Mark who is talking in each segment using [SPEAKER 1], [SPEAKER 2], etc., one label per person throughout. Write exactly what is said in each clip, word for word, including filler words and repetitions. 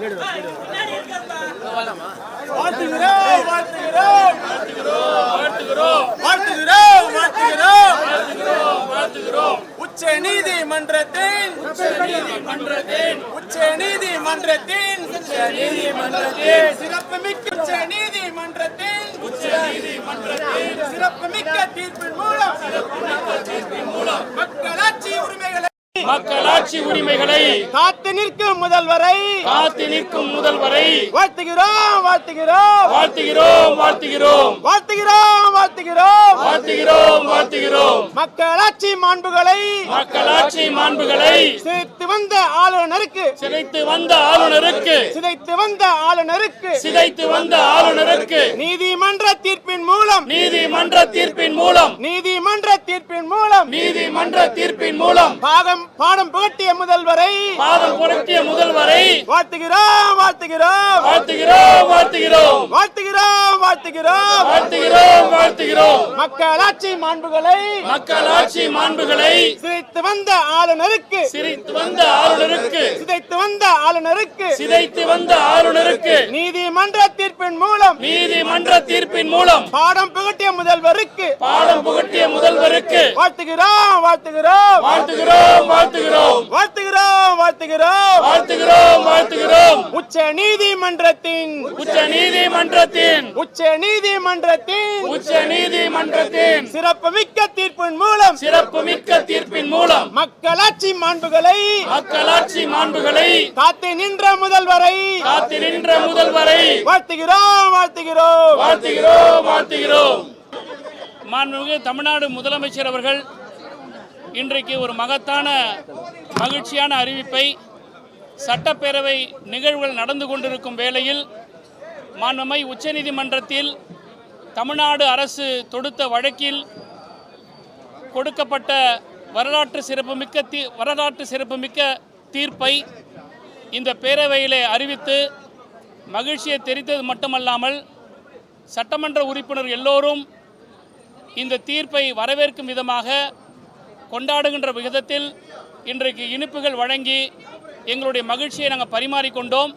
[SPEAKER 1] உச்ச நீதிமன்றத்தின் உச்ச நீதிமன்றத்தின் சிறப்புமிக்க உச்ச நீதிமன்றத்தின் சிறப்புமிக்க தீர்ப்பின் மூலம் மக்களாட்சி உரிமைகளை
[SPEAKER 2] மக்களாட்சி உரிமைகளை
[SPEAKER 1] காத்து நிற்கும் முதல்வரை
[SPEAKER 2] காத்து நிற்கும் முதல்வரை
[SPEAKER 1] வாழ்த்துகிறோம் வாழ்த்துகிறோம்
[SPEAKER 2] வாழ்த்துகிறோம் வாழ்த்துகிறோம்
[SPEAKER 1] வாழ்த்துகிறோம் வாழ்த்துகிறோம்
[SPEAKER 2] வாழ்த்துகிறோம் வாழ்த்துகிறோம்
[SPEAKER 1] மக்களாட்சி மாண்புகளை
[SPEAKER 2] மக்களாட்சி மாண்புகளை
[SPEAKER 1] சிதைத்து வந்த ஆளுநருக்கு
[SPEAKER 2] சிதைத்து வந்த ஆளுநருக்கு
[SPEAKER 1] சிதைத்து வந்த ஆளுநருக்கு
[SPEAKER 2] சிதைத்து வந்த ஆளுநருக்கு
[SPEAKER 1] நீதிமன்ற தீர்ப்பின் மூலம்
[SPEAKER 2] நீதிமன்ற தீர்ப்பின் மூலம்
[SPEAKER 1] நீதிமன்ற தீர்ப்பின் மூலம்
[SPEAKER 2] நீதிமன்ற தீர்ப்பின் மூலம்
[SPEAKER 1] பாகம் பாடம் புகட்டிய முதல்வரை
[SPEAKER 2] பாதம் புரட்டிய முதல்வரை
[SPEAKER 1] வாழ்த்துகிறோம் வாழ்த்துகிறோம்
[SPEAKER 2] வாழ்த்துகிறோம் வாழ்த்துகிறோம்
[SPEAKER 1] வாழ்த்துகிறோம் வாழ்த்துகிறோம்
[SPEAKER 2] வாழ்த்துகிறோம் வாழ்த்துகிறோம்
[SPEAKER 1] மக்களாட்சி மாண்புகளை
[SPEAKER 2] மக்களாட்சி மாண்புகளை
[SPEAKER 1] சிதைத்து வந்த ஆளுநருக்கு
[SPEAKER 2] சிதைத்து வந்த ஆளுநருக்கு
[SPEAKER 1] சிதைத்து வந்த ஆளுநருக்கு
[SPEAKER 2] சிதைத்து வந்த ஆளுநருக்கு
[SPEAKER 1] நீதிமன்ற தீர்ப்பின் மூலம்
[SPEAKER 2] நீதிமன்ற தீர்ப்பின் மூலம்
[SPEAKER 1] பாடம் புகட்டிய முதல்வருக்கு
[SPEAKER 2] பாடம் புகட்டிய முதல்வருக்கு
[SPEAKER 1] வாழ்த்துகிறோம் வாழ்த்துகிறோம்
[SPEAKER 2] வாழ்த்துகிறோம் வாழ்த்துகிறோம்
[SPEAKER 1] வாழ்த்துகிறோம் வாழ்த்துகிறோம்
[SPEAKER 2] வாழ்த்துகிறோம் வாழ்த்துகிறோம்
[SPEAKER 1] உச்ச நீதிமன்றத்தின்
[SPEAKER 2] உச்ச நீதிமன்றத்தின்
[SPEAKER 1] உச்ச நீதிமன்றத்தின்
[SPEAKER 2] உச்ச நீதிமன்றத்தின்
[SPEAKER 1] சிறப்புமிக்க தீர்ப்பின் மூலம்
[SPEAKER 2] சிறப்புமிக்க தீர்ப்பின் மூலம்
[SPEAKER 1] மக்களாட்சி மாண்புகளை
[SPEAKER 2] மக்களாட்சி மாண்புகளை
[SPEAKER 1] காத்து நின்ற முதல்வரை
[SPEAKER 2] காத்து நின்ற முதல்வரை
[SPEAKER 1] வாழ்த்துகிறோம் வாழ்த்துகிறோம்
[SPEAKER 2] வாழ்த்துகிறோம் வாழ்த்துகிறோம். மாண்புமிகு தமிழ்நாடு முதலமைச்சர் அவர்கள் இன்றைக்கு ஒரு மகத்தான மகிழ்ச்சியான அறிவிப்பை சட்டப்பேரவை நிகழ்வுகள் நடந்து கொண்டிருக்கும் வேளையில் மாண்புமை உச்சநீதிமன்றத்தில் தமிழ்நாடு அரசு தொடுத்த வழக்கில் கொடுக்கப்பட்ட வரலாற்று சிறப்புமிக்க தீ வரலாற்று சிறப்புமிக்க தீர்ப்பை இந்த பேரவையிலே அறிவித்து மகிழ்ச்சியை தெரிவித்தது மட்டுமல்லாமல் சட்டமன்ற உறுப்பினர் எல்லோரும் இந்த தீர்ப்பை வரவேற்கும் விதமாக கொண்டாடுகின்ற விதத்தில் இன்றைக்கு இனிப்புகள் வழங்கி எங்களுடைய மகிழ்ச்சியை நாங்கள் பரிமாறிக்கொண்டோம்.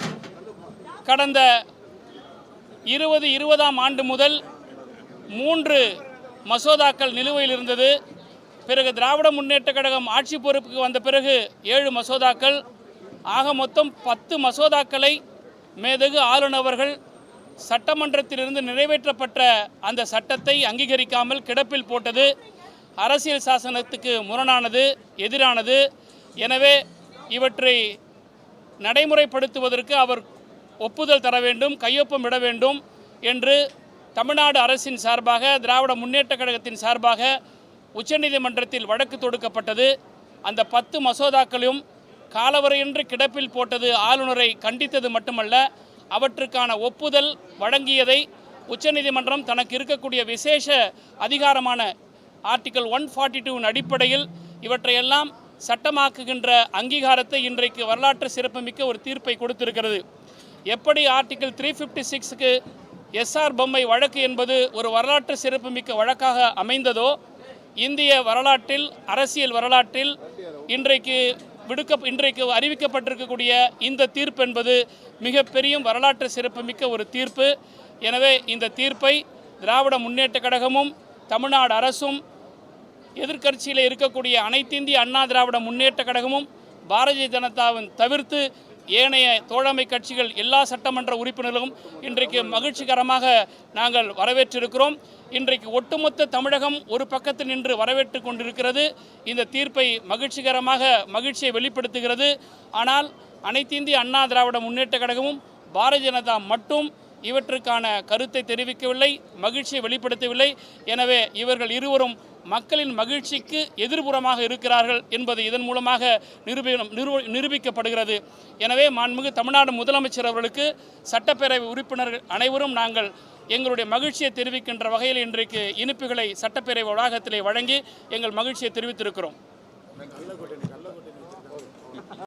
[SPEAKER 2] கடந்த இருபது இருபதாம் ஆண்டு முதல் மூன்று மசோதாக்கள் நிலுவையில் இருந்தது. பிறகு திராவிட முன்னேற்ற கழகம் ஆட்சி பொறுப்புக்கு வந்த பிறகு ஏழு மசோதாக்கள், ஆக மொத்தம் பத்து மசோதாக்களை மேதகு ஆளுநர்கள் சட்டமன்றத்திலிருந்து நிறைவேற்றப்பட்ட அந்த சட்டத்தை அங்கீகரிக்காமல் கிடப்பில் போட்டது அரசியல் சாசனத்துக்கு முரணானது, எதிரானது. எனவே இவற்றை நடைமுறைப்படுத்துவதற்கு அவர் ஒப்புதல் தர வேண்டும், கையொப்பமிட வேண்டும் என்று தமிழ்நாடு அரசின் சார்பாக திராவிட முன்னேற்ற கழகத்தின் சார்பாக உச்சநீதிமன்றத்தில் வழக்கு தொடுக்கப்பட்டது. அந்த பத்து மசோதாக்களும் காலவரையின்றி கிடப்பில் போட்டது ஆளுநரை கண்டித்தது மட்டுமல்ல, அவற்றுக்கான ஒப்புதல் வழங்கியதை உச்சநீதிமன்றம் தனக்கு இருக்கக்கூடிய விசேஷ அதிகாரமான ஆர்டிக்கல் ஒன் ஃபார்ட்டி டூவின் அடிப்படையில் இவற்றையெல்லாம் சட்டமாக்குகின்ற அங்கீகாரத்தை இன்றைக்கு வரலாற்று சிறப்புமிக்க ஒரு தீர்ப்பை கொடுத்திருக்கிறது. எப்படி ஆர்டிக்கல் த்ரீ ஃபிஃப்டி சிக்ஸுக்கு எஸ்ஆர் பொம்மை வழக்கு என்பது ஒரு வரலாற்று சிறப்புமிக்க வழக்காக அமைந்ததோ, இந்திய வரலாற்றில் அரசியல் வரலாற்றில் இன்றைக்கு விடுக்க இன்றைக்கு அறிவிக்கப்பட்டிருக்கக்கூடிய இந்த தீர்ப்பு என்பது மிகப்பெரிய வரலாற்று சிறப்புமிக்க ஒரு தீர்ப்பு. எனவே இந்த தீர்ப்பை திராவிட முன்னேற்ற கழகமும் தமிழ்நாடு அரசும் எதிர்க்கட்சியில் இருக்கக்கூடிய அனைத்திந்திய அண்ணா திராவிட முன்னேற்ற கழகமும் பாரதிய ஜனதாவின் தவிர்த்து ஏனைய தோழமை கட்சிகள் எல்லா சட்டமன்ற உறுப்பினர்களும் இன்றைக்கு மகிழ்ச்சிகரமாக நாங்கள் வரவேற்றிருக்கிறோம். இன்றைக்கு ஒட்டுமொத்த தமிழகம் ஒரு பக்கத்தில் நின்று வரவேற்று கொண்டிருக்கிறது. இந்த தீர்ப்பை மகிழ்ச்சிகரமாக மகிழ்ச்சியை வெளிப்படுத்துகிறது. ஆனால் அனைத்திந்திய அண்ணா திராவிட முன்னேற்ற கழகமும் பாரதிய ஜனதா மட்டும் இவற்றுக்கான கருத்தை தெரிவிக்கவில்லை, மகிழ்ச்சியை வெளிப்படுத்தவில்லை. எனவே இவர்கள் இருவரும் மக்களின் மகிழ்ச்சிக்கு எதிர்புறமாக இருக்கிறார்கள் என்பது இதன் மூலமாக நிரூபி நிரூபிக்கப்படுகிறது. எனவே மாண்புமிகு தமிழ்நாடு முதலமைச்சர் அவர்களுக்கு சட்டப்பேரவை உறுப்பினர்கள் அனைவரும் நாங்கள் எங்களுடைய மகிழ்ச்சியை தெரிவிக்கின்ற வகையில் இன்றைக்கு இனிப்புகளை சட்டப்பேரவை வளாகத்திலே வழங்கி எங்கள் மகிழ்ச்சியை தெரிவித்திருக்கிறோம்.